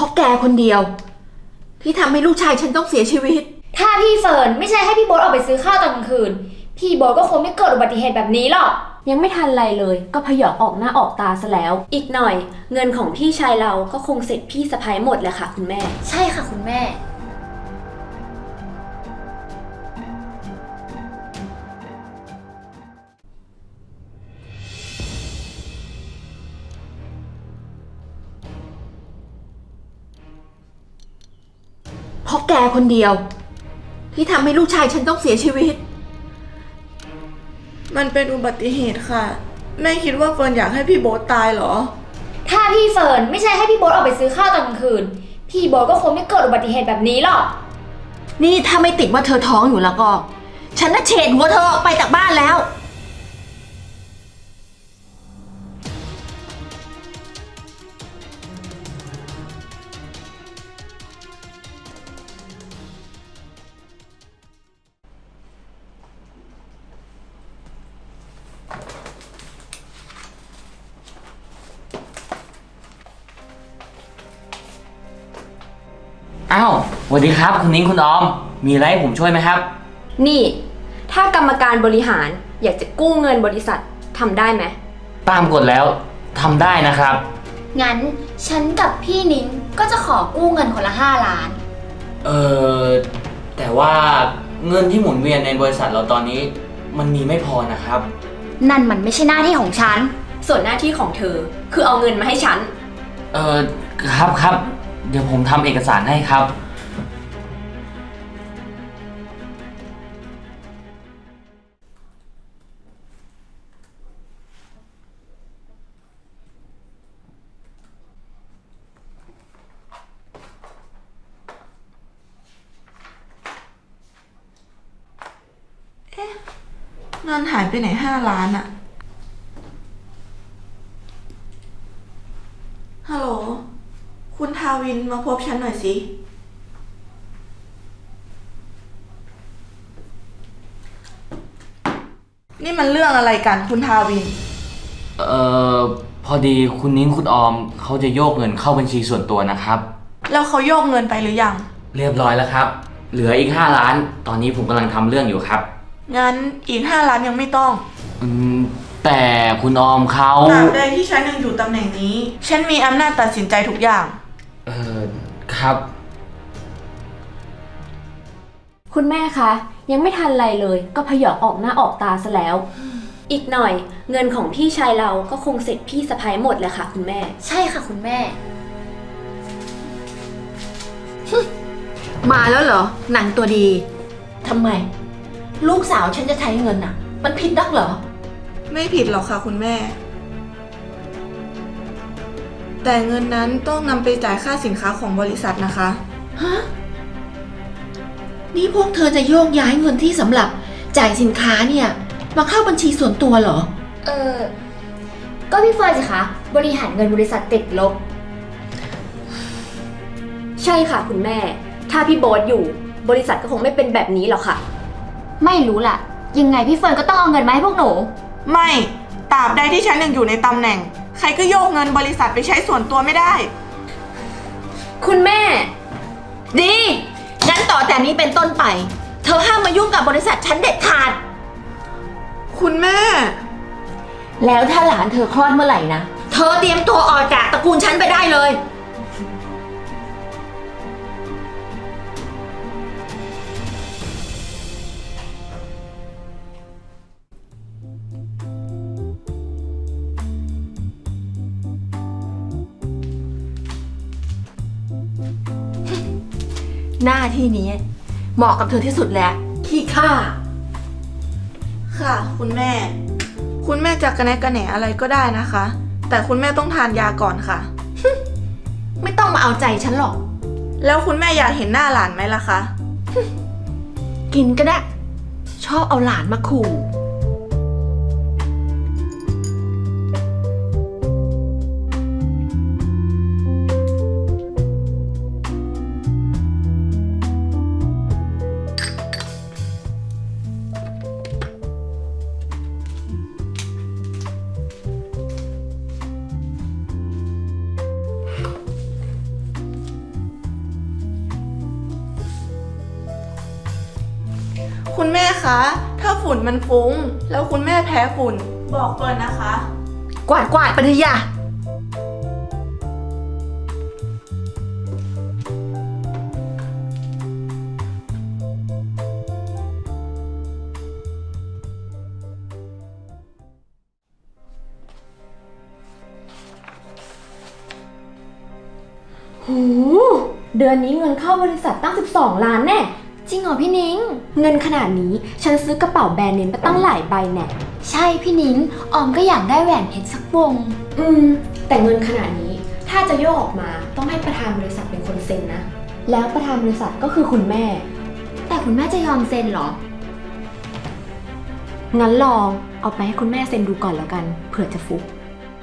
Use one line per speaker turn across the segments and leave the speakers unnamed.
ราะแกคนเดียวที่ทำให้ลูกชายฉันต้องเสียชีวิต
ถ้าพี่เฟิร์นไม่ใช่ให้พี่โบ๊ทออกไปซื้อข้าวตอนกลางคืนพี่โบ๊ทก็คงไม่เกิดอุบัติเหตุแบบนี้หรอก
ยังไม่ทันไรเลยก็พยองออกหน้าออกตาซะแล้วอีกหน่อยเงินของพี่ชายเราก็คงเสร็จพี่สะใภ้หมดแหละค่ะคุณแม่
ใช่ค่ะคุณแม่
เพราะแกคนเดียวที่ทำให้ลูกชายฉันต้องเสียชีวิต
มันเป็นอุบัติเหตุค่ะแม่คิดว่าเฟิร์นอยากให้พี่โบ๊ทตายเหรอ
ถ้าพี่เฟิร์นไม่ใช่ให้พี่โบ๊ทออกไปซื้อข้าวตอนกลางคืนพี่โบ๊ทก็คงไม่เกิดอุบัติเหตุแบบนี้หรอก
นี่ถ้าไม่ติดว่าเธอท้องอยู่แล้วก็ฉันน่ะเฉดหัวเธอออกไปจากบ้านแล้ว
อ้าวสวัสดีครับคุณนิ้งคุณออมมีอะไรให้ผมช่วยไหมครับ
นี่ถ้ากรรมการบริหารอยากจะกู้เงินบริษัททำได้ไหม
ตามกฎแล้วทำได้นะครับ
งั้นฉันกับพี่นิ้งก็จะขอกู้เงินคนละ5 ล้าน
แต่ว่าเงินที่หมุนเวียนในบริษัทเราตอนนี้มันมีไม่พอนะครับ
นั่นมันไม่ใช่หน้าที่ของฉัน
ส่วนหน้าที่ของเธอคือเอาเงินมาให้ฉัน
ครับเดี๋ยวผมทำเอกสารให้ครับ
เงินหายไปไหน5 ล้านอะฮัลโหลคุณทาวินมาพบฉันหน่อยสินี่มันเรื่องอะไรกันคุณทาวิน
พอดีคุณนิ้งคุณออมเขาจะโยกเงินเข้าบัญชีส่วนตัวนะครับ
แล้วเขาโยกเงินไปหรือยัง
เรียบร้อยแล้วครับเหลืออีก5 ล้านตอนนี้ผมกำลังทำเรื่องอยู่ครับ
งั้นอีก5 ล้านยังไม่ต้อง
แต่คุณออมเขา
ตราบใดที่ฉันยังอยู่ตำแหน่งนี้ฉันมีอำนาจตัดสินใจทุกอย่าง
ครับ
คุณแม่คะยังไม่ทันไรเลยก็พยองออกหน้าออกตาซะแล้วอีกหน่อยเงินของพี่ชายเราก็คงเสร็จพี่สะใภ้หมดแหละค่ะคุณแม่
ใช่ค่ะคุณแม่
มาแล้วเหรอหนังตัวดีทำไมลูกสาวฉันจะใช้เงินน่ะมันผิดนักเหรอ
ไม่ผิดหรอกค่ะคุณแม่แต่เงินนั้นต้องนำไปจ่ายค่าสินค้าของบริษัทนะคะ
ฮะนี่พวกเธอจะโยกย้ายเงินที่สำหรับจ่ายสินค้าเนี่ยมาเข้าบัญชีส่วนตัวเหรอ
ก็พี่เฟิร์นสิคะบริหารเงินบริษัทติดลบ
ใช่ค่ะคุณแม่ถ้าพี่โบ๊ทอยู่บริษัทก็คงไม่เป็นแบบนี้หรอกค่ะ
ไม่รู้ล่ะยังไงพี่เฟิร์นก็ต้องเอาเงินมาให้พวกหนู
ไม่ตราบใดที่ฉันยังอยู่ในตำแหน่งใครก็โยกเงินบริษัทไปใช้ส่วนตัวไม่ได้
คุณแม่
ดีงั้นต่อแต่นี้เป็นต้นไปเธอห้ามมายุ่งกับบริษัทฉันเด็ดขาด
คุณแม่
แล้วถ้าหลานเธอคลอดเมื่อไหร่นะเธอเตรียมตัวออกจากตระกูลฉันไปได้เลยหน้าที่นี้เหมาะกับเธอที่สุดแล้วขี้ข้า
ค่ะคุณแม่จะกระแนะกระแหนอะไรก็ได้นะคะแต่คุณแม่ต้องทานยาก่อนค่ะ
ไม่ต้องมาเอาใจฉันหรอก
แล้วคุณแม่อยากเห็นหน้าหลานไหมล่ะคะ
กินก็ได้ชอบเอาหลานมาขู่
คุณแม่คะ ถ้าฝุ่นมันฟุ้ง แล้วคุณแม่แพ้ฝุ่น บอกเฟิร์นนะคะ
กวาดไปเถอะอย่า
หูเดือนนี้เงินเข้าบริษัทตั้ง12 ล้านแน่
จริงเหรอพี่นิ้ง
เงินขนาดนี้ฉันซื้อกระเป๋าแบรนด์เนมไปตั้งหลายใบแน่
ใช่พี่นิ้ง ออมก็อยากได้แหวนเพชรสักวง
แต่เงินขนาดนี้ถ้าจะโยกออกมาต้องให้ประธานบริษัทเป็นคนเซ็นนะ แล้วประธานบริษัทก็คือคุณแม่
แต่คุณแม่จะยอมเซ็นเหรอ
งั้นลองเอาไปให้คุณแม่เซ็นดูก่อนแล้วกันเผื่อจะฟุก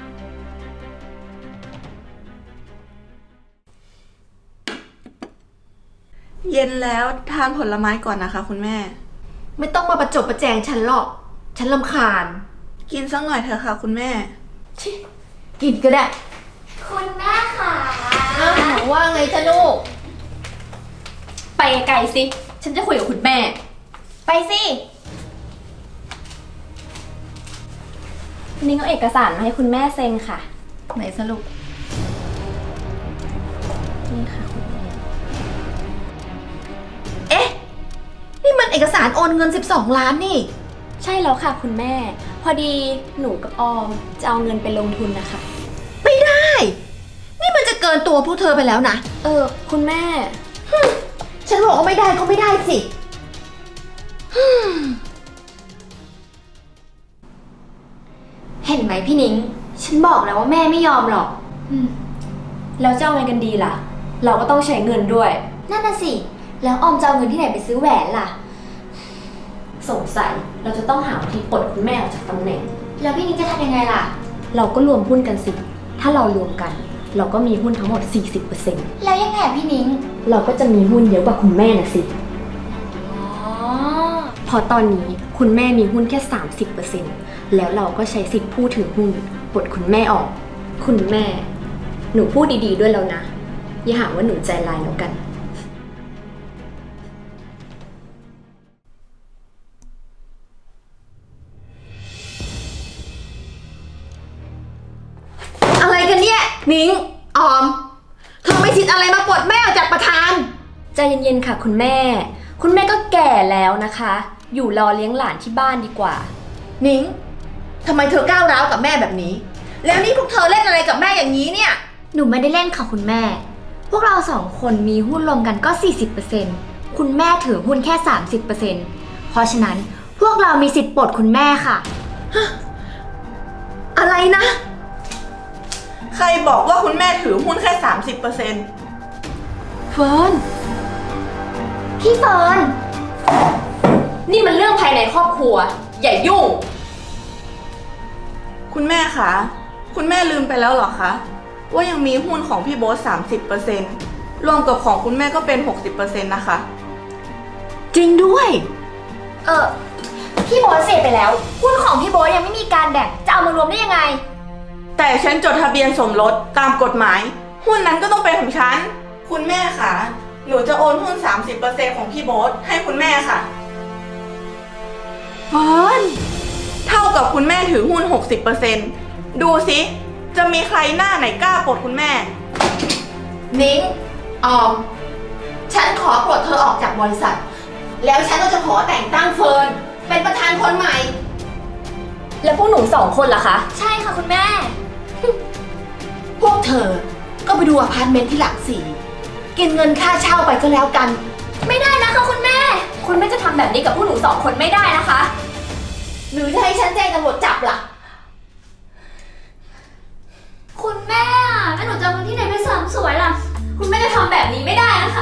เย็นแล้วทานผลไม้ก่อนนะคะคุณแม่
ไม่ต้องมาประจบประแจงฉันหรอก ฉันรำคาญ
กินสักหน่อยเถอะค่ะคุณแม่
กินก็ได้
คุณแม่ค่ะ
อ้าวว่าไงจ๊ะลูก
ไปไกลสิ ฉันจะคุยกับคุณแม่
ไปสิ
นิ้งเอาเอกสารมาให้คุณแม่เซ็นค่ะ
ไหนสรุป
นี่ค่ะคุณแม่
เอ๊ะ นี่มันเอกสารโอนเงิน12 ล้านนี่
ใช่แล้วค่ะคุณแม่ พอดีหนูกับออมจะเอาเงินไปลงทุนนะคะ
ไม่ได้ นี่มันจะเกินตัวพวกเธอไปแล้วนะ
คุณแม่
ฉันบอกว่าไม่ได้ก็ไม่ได้สิ
เห็นไหมพี่นิ้ง ฉันบอกแล้วว่าแม่ไม่ยอมหรอก
แล้วจะเอาไงกันดีล่ะ เราก็ต้องใช้เงินด้วย
นั่นน่ะสิ แล้วออมจะเอาเงินที่ไหนไปซื้อแหวนล่ะ
สงสัยเราจะต้องหาวิธีปลดคุณแม่ออกจากตำแหน่ง
แล้วพี่นิ้งจะทำยังไงล่ะ
เราก็รวมหุ้นกันสิ ถ้าเรารวมกัน เราก็มีหุ้นทั้งหมด 40%
แล้วยังไงอะพี่นิ้ง
เราก็จะมีหุ้นเยอะกว่าคุณแม่น่ะสิ
อ๋อ
พอตอนนี้คุณแม่มีหุ้นแค่ 30%แล้วเราก็ใช้สิทธิ์ผู้ถือหุ้นปลดคุณแม่ออก คุณแม่ หนูพูดดีๆด้วยแล้วนะ อย่าหาว่าหนูใจร้ายแล้วกัน
อะไรกันเนี่ย นิ้ง ออม เธอไม่คิดอะไรมาปลดแม่ออกจากประธาน
ใจเย็นๆค่ะคุณแม่ คุณแม่ก็แก่แล้วนะคะ อยู่รอเลี้ยงหลานที่บ้านดีกว่า
นิ้ง ทำไมเธอก้าวร้าวกับแม่แบบนี้ แล้วนี่พวกเธอเล่นอะไรกับแม่อย่างนี้เนี่ย
หนูไม่ได้เล่นค่ะคุณแม่ พวกเราสองคนมีหุ้นรวมกันก็ 40%คุณแม่ถือหุ้นแค่ 30%เพราะฉะนั้นพวกเรามีสิทธิ์ปลดคุณแม่ค่ะ
อะไรนะ
ใครบอกว่าคุณแม่ถือหุ้นแค่ 30%
เฟิร์น
พี่เฟิร์น
นี่มันเรื่องภายในครอบครัว อย่ายุ่ง
คุณแม่คะ คุณแม่ลืมไปแล้วเหรอคะ ว่ายังมีหุ้นของพี่โบ๊ท 30%รวมกับของคุณแม่ก็เป็น 60% นะคะ
จริงด้วย
พี่โบ๊ทเสียไปแล้ว หุ้นของพี่โบ๊ทยังไม่มีการแบ่ง จะเอามารวมได้ยังไง
แต่ฉันจดทะเบียนสมรสตามกฎหมาย หุ้นนั้นก็ต้องเป็นของฉัน คุณแม่คะหนูจะโอนหุ้น 30% ของพี่โบ๊ทให้คุณแม่ค่ะ
เฟิร์น
เท่ากับคุณแม่ถือหุ้น 60%ดูสิ จะมีใครหน้าไหนกล้าปลดคุณแม่
นิ้ง ออม ฉันขอปลดเธอออกจากบริษัท แล้วฉันก็จะขอแต่งตั้งเฟิร์นเป็นประธานคนใหม่
แล้วพวกหนู2 คนล่ะคะ
ใช่ค่ะคุณแม่
พวกเธอ ก็ไปดูอพาร์ตเมนต์ที่หลักสี่กินเงินค่าเช่าไปก็แล้วกัน
ไม่ได้นะคะคุณแม่
คุณแม่จะทำแบบนี้กับพวกหนู2 คนไม่ได้นะคะ
หรือจะให้ฉันแจ้งตำรวจจับล่ะ
คุณแม่แล้วหนูจะเอาเงินที่ไหนไปเสริมสวยล่ะ
คุณแม่จะทำแบบนี้ไม่ได้นะคะ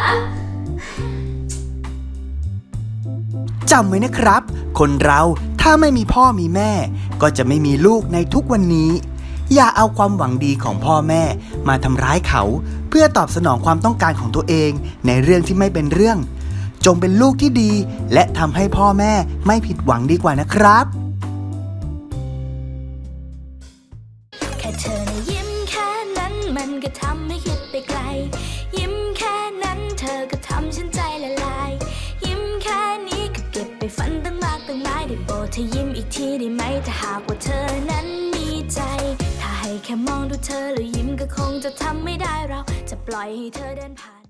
จำไว้นะครับ คนเราถ้าไม่มีพ่อมีแม่ ก็จะไม่มีลูกในทุกวันนี้ อย่าเอาความหวังดีของพ่อแม่มาทำร้ายเขา เพื่อตอบสนองความต้องการของตัวเองในเรื่องที่ไม่เป็นเรื่อง จงเป็นลูกที่ดี และทำให้พ่อแม่ไม่ผิดหวังดีกว่านะครับ
แค่เธอนะยิ้มแค่นั้นมันก็ทำให้คิดไปไกล ยิ้มแค่นั้นเธอก็ทำฉันใจละลาย ยิ้มแค่นี้ก็เก็บไปฝันธอยิ้มอีกทีได้ไหมถ้าหากว่าเธอนั้นมีใจ ถ้าให้แค่มองดูเธอแล้วยิ้มก็คงจะทำไม่ได้เราจะปล่อยให้เธอเดินผ่าน